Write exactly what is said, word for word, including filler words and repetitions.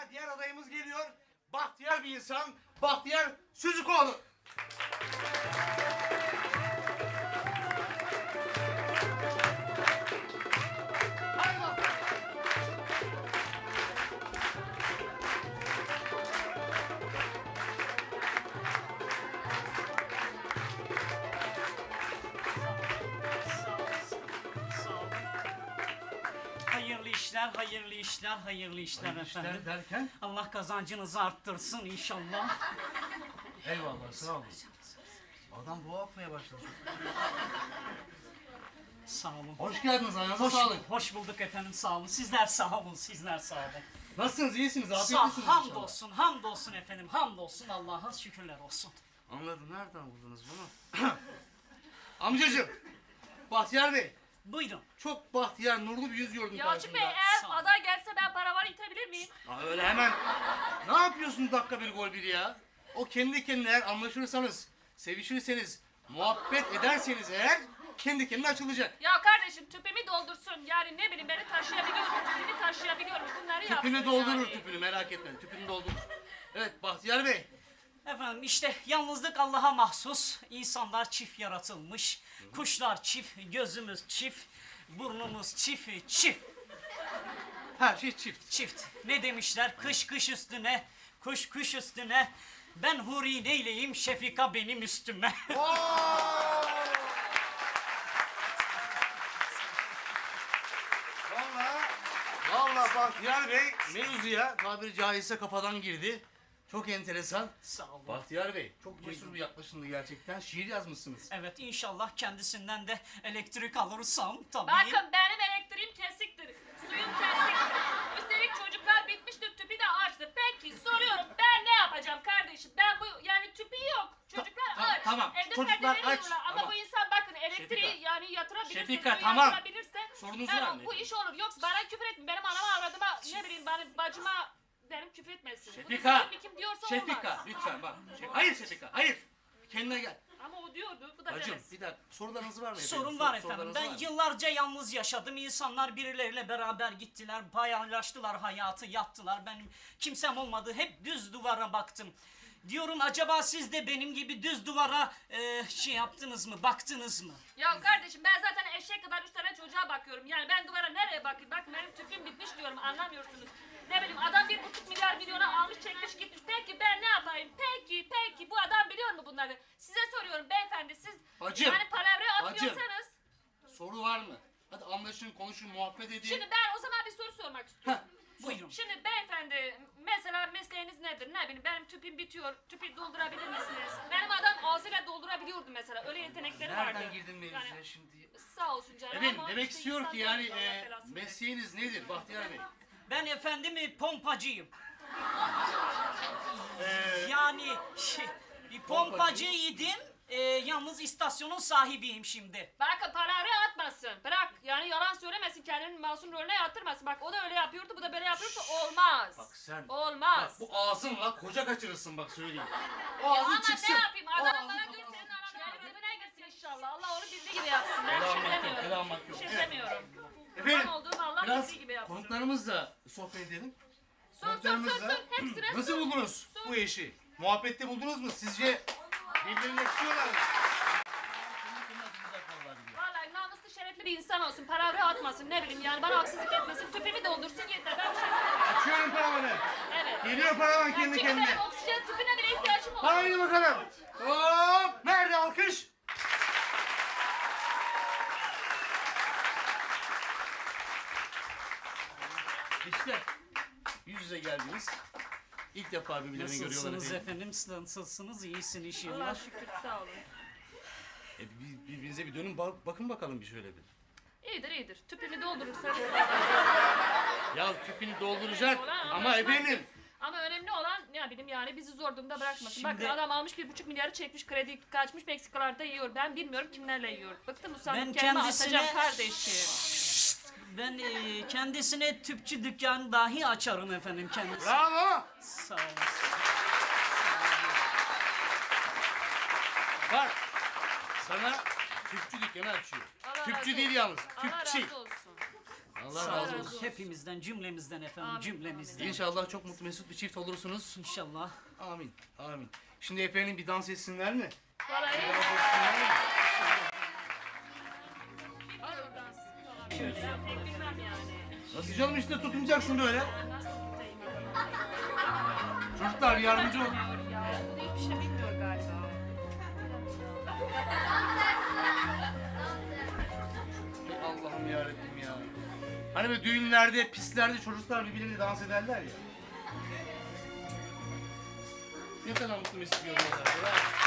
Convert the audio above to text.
Sırada diğer adayımız geliyor. Bahtiyar bir insan. Bahtiyar Süzükoğlu. Haydi bakalım. Hayırlı işler, hayırlı işler, hayırlı işler efendim. İşler derken? Allah kazancınızı arttırsın inşallah. Eyvallah, sağ olun. Adam boğa atmaya başladı. Sağ olun. Hoş geldiniz, ayağınıza Hoş, sağlık. hoş bulduk efendim, sağ olun. Sizler sağ olun, sizler sağ olun. Nasılsınız, iyisiniz, Sağ, afiyetlisiniz inşallah. hamdolsun, hamdolsun efendim, hamdolsun Allah'a şükürler olsun. Anladım, nereden buldunuz bunu? Amcacığım, Bahtiyar Bey, Buyurun. çok bahtiyar, nurlu bir yüz gördüm Yalçın Bey karşımda. eğer Sağ ol. aday gelse ben paravanı itebilir miyim? Aa, öyle hemen, ne yapıyorsun dakika bir gol bir ya? O kendi kendine eğer anlaşırsanız, sevişirseniz, muhabbet ederseniz eğer, kendi kendine açılacak. Ya kardeşim tüpümü doldursun yani ne bileyim beni taşıyabiliyor mu? Tüpümü taşıyabiliyor mu? Bunları yapsın Tüpünü doldurur yani. tüpünü, merak etme, tüpünü doldurur. Evet, Bahtiyar Bey. Efendim işte yalnızlık Allah'a mahsus. İnsanlar çift yaratılmış. Kuşlar çift, gözümüz çift, burnumuz çift, çift. Her şey çift. Çift. Ne demişler? Kış kış üstüne, kuş kuş üstüne. Ben huri neyleyim, Şefika benim üstüme. Vallahi, vallahi Bahtiyar Bey mevzuya tabiri caizse kafadan girdi. Çok enteresan. Sağ olun. Bahtiyar Bey, çok cesur bir yaklaşımdı gerçekten. Şiir yazmışsınız. Evet inşallah kendisinden de elektrik alırsam tabii. Bakın benim elektriğim kesiktir. Suyum kesiktir. Üstelik çocuklar bitmiştir tüpü de açtı. Peki soruyorum ben ne yapacağım kardeşim? Ben bu yani tüpü yok. Çocuklar Ta- ta- aç. tamam. Evde Çocuklar perdeleri aç. yiyorlar. Ama Tamam. bu insan bakın elektriği Şefika. yani yatırabilirse, Şefika, suyu tamam. yatırabilirse Sorunuzu ben o- vermeyin. bu iş olur. Yoksa bana küfür etmeyin. Benim anama avradıma ne bileyim bana bacıma benim küfür etmesin. Şefika. Bunu kim diyorsa Şefika, olmaz. lütfen bak. Şef- hayır Şefika, hayır. Kendine gel. Ama o diyordu. Bu da Bacım, demez. bir dakika. Sorularınız var mı efendim? Sorun Sor- var efendim. sorularınız Ben var mı? yıllarca yalnız yaşadım. İnsanlar birileriyle beraber gittiler, paylaştılar hayatı, yattılar. Benim kimsem olmadı. Hep düz duvara baktım. Diyorum acaba siz de benim gibi düz duvara e, şey yaptınız mı, baktınız mı? Ya kardeşim ben zaten eşek kadar üç tane çocuğa bakıyorum. Yani ben duvara nereye bakayım? Bak benim tüpüm bitmiş diyorum anlamıyorsunuz. Ne bileyim adam bir buçuk milyar milyona almış çekmiş gitmiş. Peki ben ne yapayım? Peki peki bu adam biliyor mu bunları? Size soruyorum beyefendi siz Bacım, yani palavra bacım. atmıyorsanız. Soru var mı? Hadi anlaşın, konuşun, muhabbet edin. Şimdi ben o zaman bir soru sormak istiyorum. Buyurun. Şimdi beyefendi mesela mesleğiniz nedir? Ne bileyim benim tüpüm bitiyor. Tüpü doldurabilir misiniz? Benim adam ağzıyla doldurabiliyordu mesela. Öyle yetenekleri vardı. Nereden girdin mevzuya Yani, şimdi? sağ olsun canım Efendim, ama demek işte istiyor insan ki yani değil, Allah e, belasını versin. mesleğiniz nedir Bahtiyar Bey? Ben efendim e, pompacıyım. yani şey, bir pompacıydım. E, yalnız istasyonun sahibiyim şimdi. Bakın palavra atmasın. Bırak yani yalan söylemesin kendini masum rolüne yatırmasın. Bak o da öyle yapıyordu bu da böyle yapıyorsa olmaz. Bak sen- Olmaz. Bak bu ağzınla koca kaçırırsın bak söyleyeyim. O Ya ağzın ama çıksın. ne yapayım O adam ağzın bana kapalı. gör senin anan yani ödüne girsin inşallah. Allah onu bildiği gibi yapsın. Ben Helal bir şey olmak yok, demiyorum. helal olmak Bir yok. şey Evet. demiyorum. Efendim, Kurban olduğum Allah biraz bildiği gibi yapsın. konuklarımızla sohbet edelim. Sor sor sor sor. Hepsine Nasıl sor. buldunuz bu eşi? Muhabbette buldunuz mu? Sizce birbirine yakışıyorlar mı? Vallahi namuslu şerefli bir insan olsun. Palavra atmasın ne bileyim yani bana haksızlık etmesin. Tüpümü doldursun yeter. Ben bir şey istemiyorum. Açıyorum paravanı. Evet. Geliyor paravan kendi Çünkü kendine. benim oksijen tüpüne bile ihtiyacım olur. Haydi bakalım. Hop! Nerede alkış? İşte yüz yüze geldiniz. İlk defa birbirlerini görüyorlar Nasılsınız efendim. efendim? Nasılsınız? İyisin Allah inşallah. şükür sağ olun. E, bir- birbirinize bir dönün bak- bakın bakalım bir şöyle bir. İyidir iyidir. Tüpümü doldurursan. Ya tüpünü dolduracak Olan ama anlaşmak- efendim. Ama önemli olan ne bileyim yani bizi zor durumda bırakmasın. Şimdi- Bakın adam almış bir buçuk milyarı çekmiş kredi kaçmış Meksikalarda yiyor. Ben bilmiyorum kimlerle yiyor. Bıktım usandım Ben kendime kendisine- atacağım kardeşim. Ben e, kendisine tüpçü dükkanı dahi açarım efendim kendisi. Bravo. Sağ olun. Bak sana tüpçü dükkanı açıyor. Allah razı Tüpçü değil olsun. yalnız. Allah Tüpçü. razı olsun. Allah Sağ razı olun. olsun. Hepimizden, cümlemizden efendim, Amin, cümlemizden. İnşallah çok mutlu mesut bir çift olursunuz. İnşallah. Amin. Amin. Şimdi efendim bir dans etsinler mi? Parayı Dans etsinler mi? ben pek bilmem yani. Nasıl canım işte tutunacaksın böyle. Nasıl tutayım bakalım. Çocuklar yardımcı olun. Bilmiyor ya. Bu hiçbir şey bilmiyor galiba. Allah'ım yarabbim ya. Hani böyle düğünlerde, pistlerde çocuklar birbirleriyle dans ederler ya. Ne kadar mutlu mesut görüyorlar.